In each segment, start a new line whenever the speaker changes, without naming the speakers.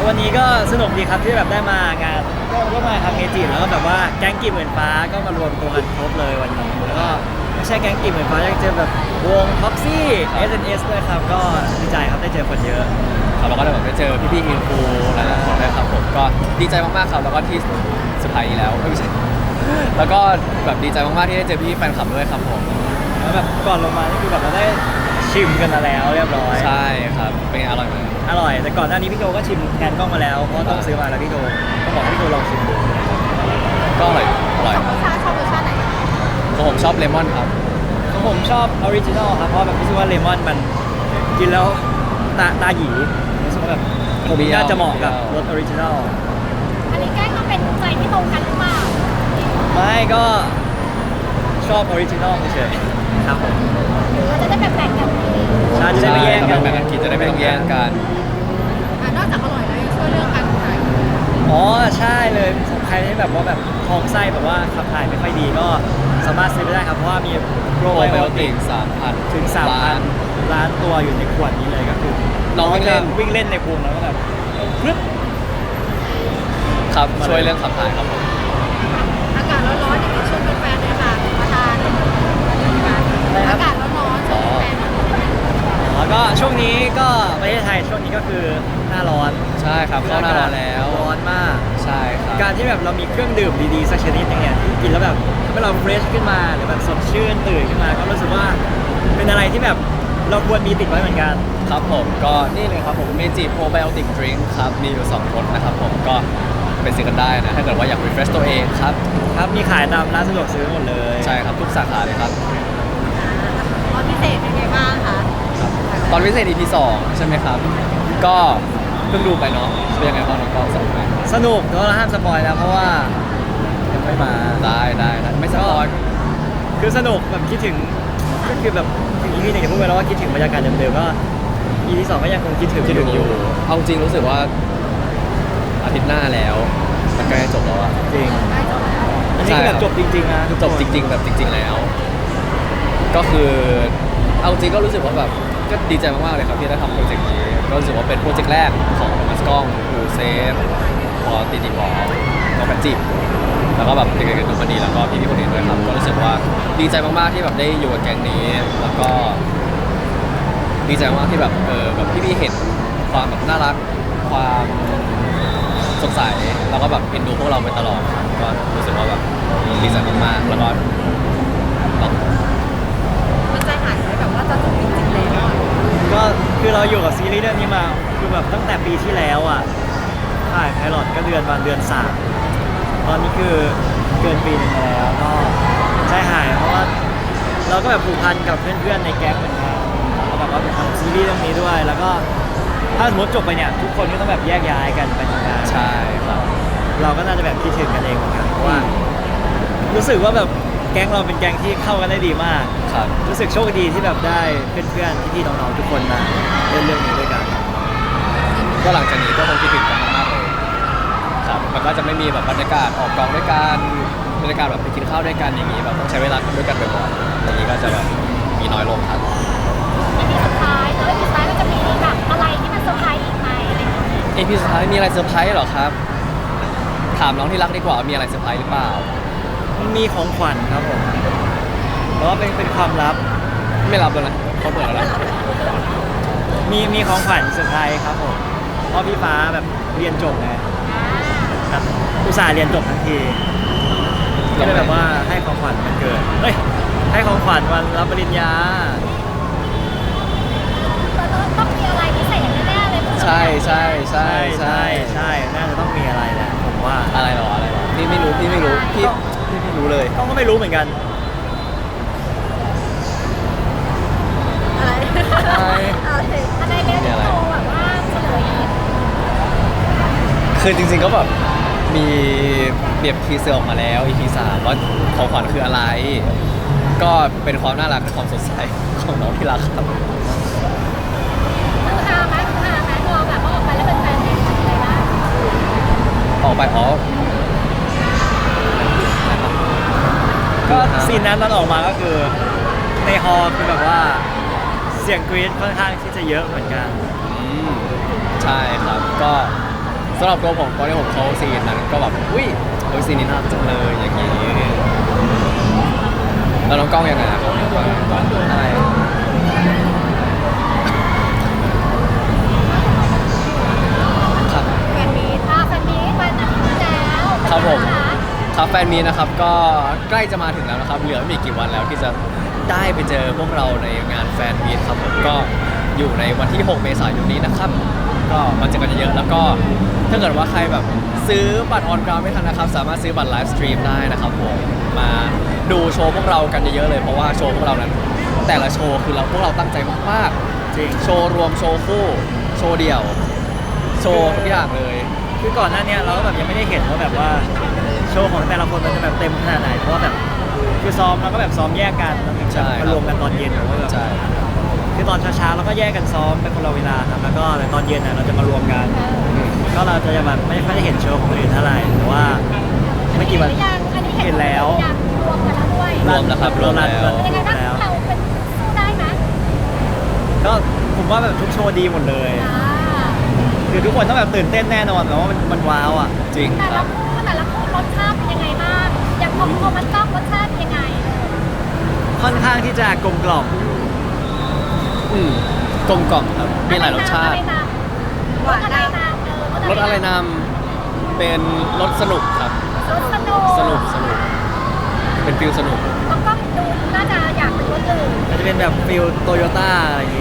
วันนี้ก็สนุกดีครับที่แบบได้มางานก็มาทำเมจิแล้วก็แบบว่าแก๊งกีบหมื่นฟ้าก็มารวมตัวกันครบเลยวันนี้แล้วก็ไม่ใช่แก๊งกีบหมื่นฟ้ายังเจอแบบวง Proxy SNS ด้วยครับก็ดีใจครับได้เจอคนเยอะ
ครับแล้วก็ได้แบบได้เจอพี่ๆอินฟูหลายๆคนด้วยครับผมก็ดีใจมากๆครับแล้วก็ที่สุดท้ายแล้วไม่ใช่แล้วก็แบบดีใจมากๆที่ได้เจอพี่แฟนคลับด้วยครับผม
แล้วแบบก่อนลงมานี่คือแบบเราได้ชิมกันมาแล้วเรียบร้อย
ใช่ครับเป็นไงอร่อยไหม
อร่อยแต่ก่อนหน้านี้พี่โจก็ชิมแทนกล้องมาแล้วเพราะต้องซื้อมาแล้วพี่โจต้องบอกให้พี่โจลองชิมดู
ก็อร่อย
ชอบรสชาติไหน
ผมชอบเลมอนครับ
ของผมชอบออริจินอลครับเพราะแบบรู้สึกว่าเลมอนมันกินแล้วตาหยีรู้สึกว่าแบบผมน่าจะเหมาะกับรสออริจินอล
อันนี้แกล้งมาเป็นใจที่ตรงกันหรือเปล่า
ไม่ก็ชอบออริจินอลเฉยๆครับผม
หรือว่าจะได้แบ่งกัน
ใช่จะได้ไม่แย่งกัน
แบ่งกันกินจะได้ไม่ต้องแย่งกัน
นอกจากอร่อยแล้วยังช่วยเรื่องการถ่าย
อ๋อใช่เลยสำหรับใครที่แบบว่าแบบท้องไส้แบบว่าขับถ่ายไม่ค่อยดีก็สามารถซื้อไปได้ครับเพราะว่ามีโปรไบโอติก
3,000
ถึง 3,000 ล้านตัวอยู่ในขวดนี้เลยก็คือ
น้อง
วิ่งเล่นในภูมิแล้วก็แบบพรึบ
ครับช่วยเรื่องขับถ่ายครับผม
อากาศร้อนๆอย่างนี้ชวนแฟนๆเลยค่ะมาทานอากาศร้อนๆชวนแฟนๆ
แล้วก็ช่วงนี้ก็ประเทศไทยช่วงนี้ก็คือหน้าร้อน
ใช่ครับเข้าหน้าร้อนแล้ว
ร้อนมาก
ใช่ครับ
การที่แบบเรามีเครื่องดื่มดีๆสักชนิดนึงเนี่ยที่กินแล้วแบบทำให้เราเฟรชขึ้นมาหรือแบบสดชื่นตื่นขึ้นมาก็รู้สึกว่าเป็นอะไรที่แบบเราควรมีติดไว้เหมือนกัน
ครับผมก็นี่เลยครับผมเมจิโปรไบโอติกดริงค์ครับมีอยู่2รสนะครับผมก็ไปซื้อกันได้นะถ้าเกิดว่าอยาก refresh ตัวเองครับ
ครับมีขายตามร้านสะดวกซื้อหมดเลย
ใช่ครับทุกสาขาเลยครับ
ตอนพิเศษเป็นไงบ้างคะ
ตอนพิเศษ EP 2ใช่ไหมครับก็เพิ่งดูไปเนาะเป็นยังไงบ้างน้องกอล์ฟสนุกไหม
สนุกแต่ว่าห้ามสปอยนะเพราะว่ายังไม่มา
ได้ไม่สปอย
คือสนุกแบบคิดถึงก็คือแบบถึง EP 1อย่างพูดไปแล้วว่าคิดถึงบรรยากาศเดิมๆก็ EP 2ก็ยังคงคิดถึง
อยู่เอาจริงรู้สึกว่าอาทิตย์หน้าแล้วมันใกล้จบแล้วอะ
จริงอันนี้คือแบบจบจริงๆนะ
จบจริงๆแบบจริงๆแล้วก็คือเอาจริงก็รู้สึกว่าแบบก็ดีใจมากๆเลยครับที่ได้ทำโปรเจกต์นี้ก็รู้สึกว่าเป็นโปรเจกต์แรกของมัสกล้องอูเซฟพอตีบอน้องแพนจิบแล้วก็แบบเด็กๆดูมันดีแล้วก็พี่ๆคนอื่นด้วยครับก็รู้สึกว่าดีใจมากๆที่แบบได้อยู่กับแก๊งนี้แล้วก็ดีใจมากที่แบบแบบพี่ๆเห็นความแบบน่ารักความสดใสแล้วก็แบบเอ็นดูพวกเราไปตลอดก็รู้สึกว่าแบบดีใจมากๆแล้วก็
มันใจหายไหมแบบว่าจะจบจริงๆแล้ว
ก็คือเราอยู่กับซีรีส์เรื่องนี้มาคือแบบตั้งแต่ปีที่แล้วอ่ะถ่ายไพลอตก็เดือน3ตอนนี้คือเกินปีนึงแล้วก็ใจหายเพราะว่าเราก็แบบผูกพันกับเพื่อนๆในแก๊งเหมือนกันแล้วแบบว่าไปทำซีรีส์เรื่องนี้ด้วยแล้วก็ถ้าสมมติจบไปเนี่ยทุกคนก็ต้องแบบแยกย้ายกันไปทำงาน
ใช่ครับ
เราก็น่าจะแบบคิดถึงกันเองเหมือนกันเพราะว่ารู้สึกว่าแบบแก๊งเราเป็นแก๊งที่เข้ากันได้ดีมาก
ครับ
รู้สึกโชคดีที่แบบได้เพื่อนๆพี่ๆน้องๆทุกคนมาเล่นเรื่องนี้ด้วยกัน
ก็หลังจากนี้ก็คงคิดถึงกันมากๆเลยครับมันก็จะไม่มีแบบบรรยากาศออกกองด้วยกันบรรยากาศแบบไปกินข้าวด้วยกันอย่างนี้แบบต้องใช้เวลาด้วยกันบ่อยๆอย่างนี้ก็จะแบบมีน้อยลงครับ
EP สุดท้ายแล้ว EP สุดท้ายมันจะมีแบบอะไรที่มันเซอร์ไพรส์อีกไหมอะไรอย่างเงี้ย
EP สุดท้ายมีอะไรเซอร์ไพรส์เหรอครับถามน้องที่รักดีกว่ามีอะไรเซอร์ไพรส์หรือเปล่า
มันมีของขวัญครับผมเพราะว่าเป็นความลับ
ไม่รับแล้วนะเขาเปิดแล้ว
มีของขวัญเซอร์ไพรส์ครับผมเพราะพี่ฟ้าแบบเรียนจบไงครับอุตส่าห์เรียนจบทั้งทีก็เลยแบบว่าให้ของขวัญวันเกิดให้ของขวัญวันรับปริญญา
ต้องมีอะไรพิเศษแน่ๆเลย
ใช่
น่าจะต้องมีอะไรแหละผมว่า
อะไรหรอพี่ไม่รู้พี่ไม่รู้เลย
ก็ไม่รู้เหมือนกัน
อะไรเรื่องโตแบบว่าเฉลย
คือจริงๆก็แบบมีเบียบทีเซอร์ออกมาแล้ว EP 3ว่าของขวัญคืออะไรก็เป็นความน่ารักและความสดใสของน้องที่รักครับ
คือฮาไหมเราแบบว่าออกไปแล้วเป็นแฟนเห็นอะไรบ้าง
ออกไป
ก็ซีนนั้นตอนออกมาก็คือในฮอลล์คือแบบว่าเสียงกรี๊ดค่อนข้างที่จะเยอะเหมือนกัน
ใช่ครับก็สำหรับตัวผมตอนที่ผมเข้าซีนนั้นก็แบบอุ้ยซีนนี้น่ารักจังเลยอย่างนี้แล้วน้องกล้องยังไงครับอะไร ครับ
แฟนมีตแฟนมีตวันอาทิตย์ที่แล้ว
ครับผม
เป็นไงะ
ครับแฟนมีนะครับก็ใกล้จะมาถึงแล้วนะครับเหลือไม่กี่วันแล้วที่จะได้ไปเจอพวกเราในงานแฟนมีตครับผมก็อยู่ในวันที่ 6 เมษายนนี้นะครับ ก็มาเจอกันเยอะๆแล้วก็ถ้าเกิดว่าใครแบบซื้อบัตรออนกราวไม่ทันนะครับสามารถซื้อบัตรไลฟ์สตรีมได้นะครับผมมาดูโชว์พวกเรากันเยอะๆเลยเพราะว่าโชว์พวกเรานั้น แต่ละโชว์คือพวกเราตั้งใจมาก
จริง
ๆโชว์รวมโชว์คู่โชว์เดี่ยว โชว์ทุกอย่างเลย
คือก่อนหน้าเนี้ยเราก็แบบยังไม่ได้เห็นว่าแบบว่าโชว์ของแต่ละคนมันจะแบบเต็มขนาดไหนเพราะว่าแบบคือซ้อมเราก็แบบซ้อมแยกกันแล้วถึง
ใช่
จะมารวมกันตอนเย็นหรือว่าแบบ
ใช่
คือตอนเช้าๆเราก็แยกกันซ้อมเป็นคนละเวลาครับแล้วก็ในตอนเย็นน่ะเราจะมารวมกัน ก็เราจะแบบไม่ค่อยได้เห็นโชว์ของคนอื่นเท่าไหร่แต่ว่าไม่กี่วัน
หรือยังอันนี้
เห็นแล้ว
อยากรวมกันแล้วด้วย
รวมแล้วครับรวมแล้ว
เป็นยังไงบ้างเราเป็นสู้ได้ไหม
ก็ผมว่าแบบทุกโชว์ดีหมดเลย
อ่า
คือทุกคนต้องแบบตื่นเต้นแน่นอนแบบว่ามันว้าวอ่ะ
จริง
แต่
ค
ละ
รับ
คู่แต่ละคู่รสชาติเป็นยังไงบ้างอย่างของมันต้องรสชาติเป็นยังไง
ค่อนข้างที่จะกลมกล่อม
กลมกล่อมครับมีหลายรสชาติ
รสอะไรนำ
รสอะไรนำเป็นรสสนุกครับ
รสสนุก
สนุกเป็นฟิลสนุก
ต้องก็ดูน่าจะอยากเป็นรสอื่น
มันจะเป็นแบบฟิลโตโยต้าอะไรอย่างงี้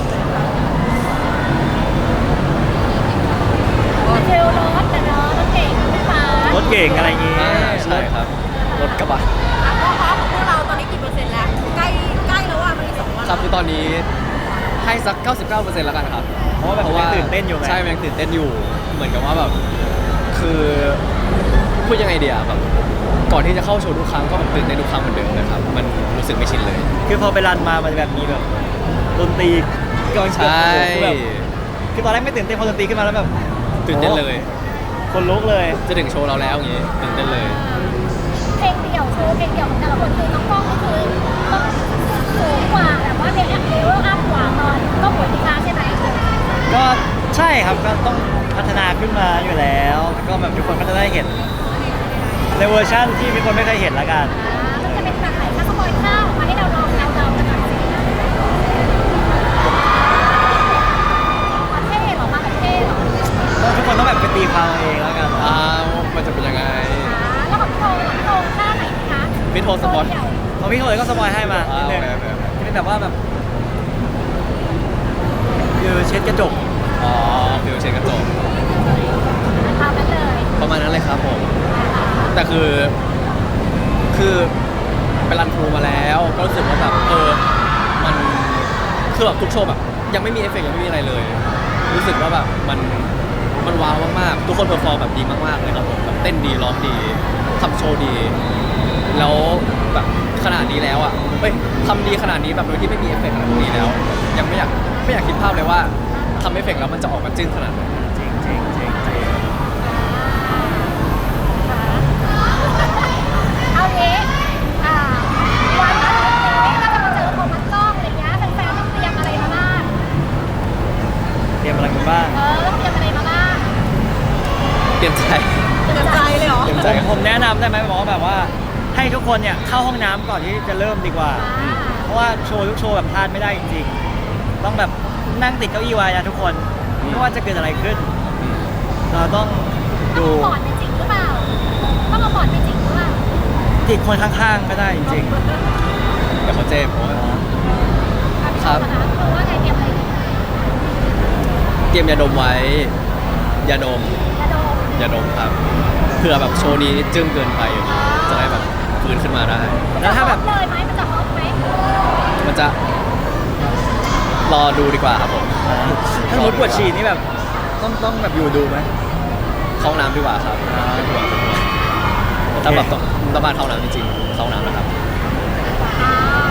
เทลรสแต่เนาะรสเก่งไม่ฟ้าร
ถเก่งอะไรอย่างงี้
ใช่ครับรถกระบะ
ก็พร้อมของพวกเราตอนนี้กี่เปอร์เซ็นต์แล้วใกล้แล้วอ่ะมันอีก2 วัน
ครับคือตอนนี้ให้สัก 99%แล้วกันครับ
เพราะว่าแบบยังตื่นเต้นอยู่ไง
ใช่มันยังตื่นเต้นอยู่ เหมือนกับว่าแบบคือพูดยังไงเดียแบบก่อนที่จะเข้าโชว์ทุกครั้งก็แบบตื่นเต้นทุกครั้งเหมือนเดิมเลยครับมันรู้สึกไม่ชินเลย
คือพอไปรันมามันจะแบบมีแบบดนตรีกองเชีย
ใช่
ร์คือแบบคือตอนแรกไม่ตื่นเต้นพอดนตรีขึ้นมาแล้วแบบ
ตื่นเต้นเลย
คนลุกเลย
จะถึงโชว์เราแล้วอย่างงี้ตื่นเต้นเลย
เพลงเดี่ยวโชว์เพลงเดี่ยวของแต่ละคนคือน้องกล้องก็คือต้องสูงกว่าแบบว่าเพลงเลเวลอัพกว่าตอนก็หัวดีคาใช่ไหม
ก็ใช่ครับก็ต้องพัฒนาขึ้นมาอยู่แล้วแล้วก็แบบทุกคนก็จะได้เห็นในเวอร์ชั่นที่มีคนไม่เคยเห็นละกัน
มันจะเป็นแบบไหนถ้าสปอยข้าวออกมาให้เราลองเดากันหน่อยสิประเทศหรอมาประเทศหรอ
ก็ทุกคนต้องแบบไปตีความเอาเองแล้วกัน
มันจะเป็นยังไง
แล้วของโทท่าไหนคะ
พี่โทรสปอน
ของพี่เขาเลยก็สปอยให้มานิดนึง
โอเค
ที่เป็นแบบว่าแบบคือเช็ดกระจก
อ๋อฟิลเชนกระจก
ทำนั้นเลย
ประมาณนั้นเลยครับผม แต่คือไปรันทรูมาแล้วก็รู้สึกว่าแบบมันคือแบบทุกโชว์แบบยังไม่มีเอฟเฟกต์ยังไม่มีอะไรเลย รู้สึกว่าแบบมันว้าวมากๆทุกคนเพอร์ฟอร์มแบบดีมากๆเลยครับผมแบบเต้นดีร้องดีทำโชว์ดี แล้วแบบขนาดนี้แล้วอ่ะทำดีขนาดนี้แบบโดยที่ไม่มีเอฟเฟกต์อะไรพวกนี้แล้ว ยังไม่อยากคิดภาพเลยว่าทำเอฟเฟกต์แล้วมันจะออกมาจึ้งขนาดไหน
จริงจริงจริงจริง
เอาเนี้วันอาทิตย์นี้ก็จะมาเจอโทมัสกล้องอะไรเงี้ยแฟนๆต้องเตรียมอะไรมาบ้าง
เตรียมอะไรกันบ้าง
ต้องเตรียมอะไรมาบ้าง
เปลี่ยนใจ
เตรียมใจเลยเหรอ
เตรียมใจ
ผมแนะนำได้ไหมบอกว่าแบบว่าให้ทุกคนเนี่ยเข้าห้องน้ำก่อนที่จะเริ่มดีกว่า เพราะว่าโชว์ทุกโชว์แบบพลาดไม่ได้จริงๆ ต้องแบบนั่งติดเก้าอี้ไว้นะทุกคนไม่ว่าจะเกิดอะไรขึ้น เราต้อง
ต้อ
ดู
งเอาบอร์ดไปจริงหรือเปล่าต้องเอาบอร์ดไปจริงหรือเปล่า
ติดคนข้างๆก็ได้จริง
เดี๋ยวเขาเจ็บผมว่า ครับ
เพราะว่าไงเตรียมอะไรดี
เตรียมยาดมไว้ยาดม
กระโดด
ยาดมครับเผื่อแบบโชว์นี้จึ้งเกินไปอย่างนี้จะได้แบบฟื้นขึ้นมาได้
ๆแล้วถ้าแบบ
เลยไหมมันจะฮอตไหม
มันจะรอดูดีกว่าครับผม
ถ้ามุดปวดฉี่นี่แบบต้องแบบอยู่ดูไหม
เข้าห้องน้ำดีกว่าครับเป็นห่วงถ้าแบบต้องบ้านเข้าน้ำจริงๆเข้าห้องน้ำนะครับ
อ่า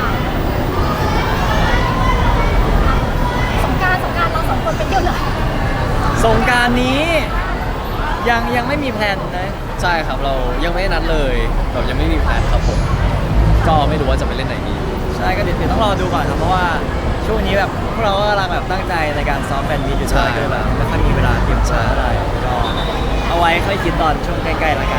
สงกรารเราสองคนไปเที่ยวเลย
สงกรารนี้ยังไม่มีแพลนนะ
ใช่ครับเรายังไม่ได้นัดเลยแบบยังไม่มีแผนครับผมก็ไม่รู้ว่าจะไปเล่นไหนดี
ใช่ก็เดี๋ยวต้องรอดูก่อนครับเพราะว่าช่ช่วงนี้แบบพวกเราก็กำลังแบบตั้งใจในการซ้อมแฟนมีตอยู่
ใช่
ด้วยก็เลยแบบไม่ค่อยมีเวลาเตรียมตัวเท่าไหร่ก็เอาไว้ค่อยคิดตอนช่วงใกล้ๆแล้วกัน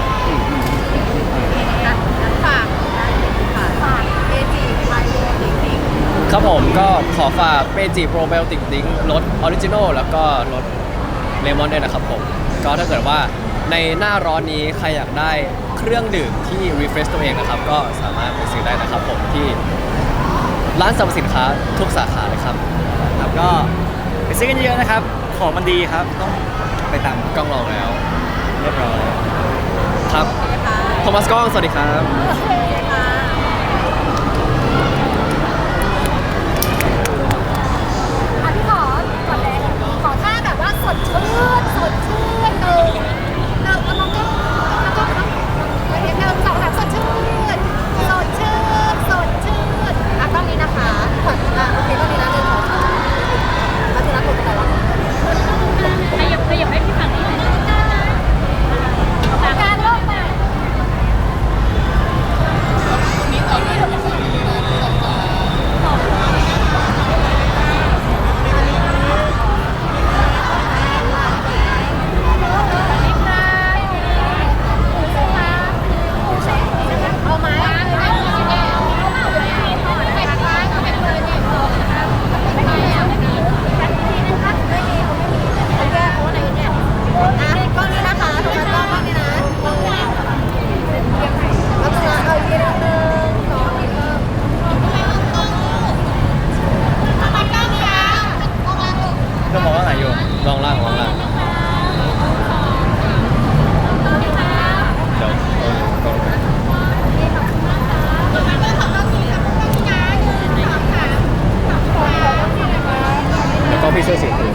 ฝากฝากเอจีไมโลดิง
ครับผมก็ขอฝากเมจิโปรไบโอติกดิ้งรสออริจินอลแล้วก็รสเลมอนด้วยนะครับผมก็ถ้าเกิดว่าในหน้าร้อนนี้ใครอยากได้เครื่องดื่มที่รีเฟรชตัวเองนะครับ ก็สามารถไปซื้อได้นะครับผมที่ร้านสรรพสินค้าทุกสาขาเลยครับ
ครับก็ไปซื้อกันเยอะๆนะครับ ของมันดีครับ ต้องไปตาม
กล้องลองแล้ว
เรียบร้อย
ครับโทมัสกล้องสวัสดีครับ
โอเคค่ะอ่ะพี่ขอก่อนเลยขอท่าแบบว่าสดชื่นสดชื่นเราก็เดี๋ยวเราสองสามสดชื่นสดชื่นสดชื่นอ่ะต้องนี้นะคะขอโอเคต้องนี้นะหนึ่งสองสามแล้วจะรับผมแต่ละขยับให้พี่ฝั่งนี้หน่อยการโลกใหม่ เอาไหมก้อนนี้นะคะทุกคนก้อนนี้นะแล้วจะเอาอีกนิดนึงสองทำไมก้อนนี้อ่ะ
ก็มองว่าไหนอยู่
ลองล่างเดี๋ยวกล้องแล้วก็พี่เสื้อสีคือ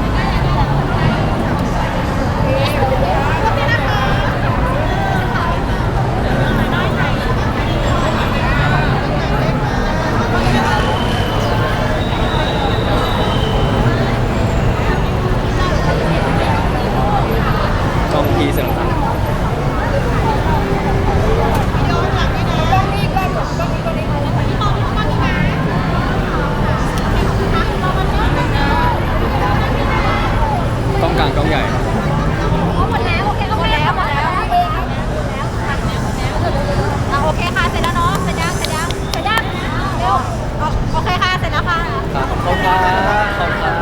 ก้องพี่เสื้อน้ำตาล กล้องกลางกล้องใหญ่
หมดแล้วโอเคหมดแล้วโอเคค่ะเสร็จแล้วเนาะเสร็จยังเร็วโอเคค่ะเสร็จแล้วค่ะ
ขอบคุณครับ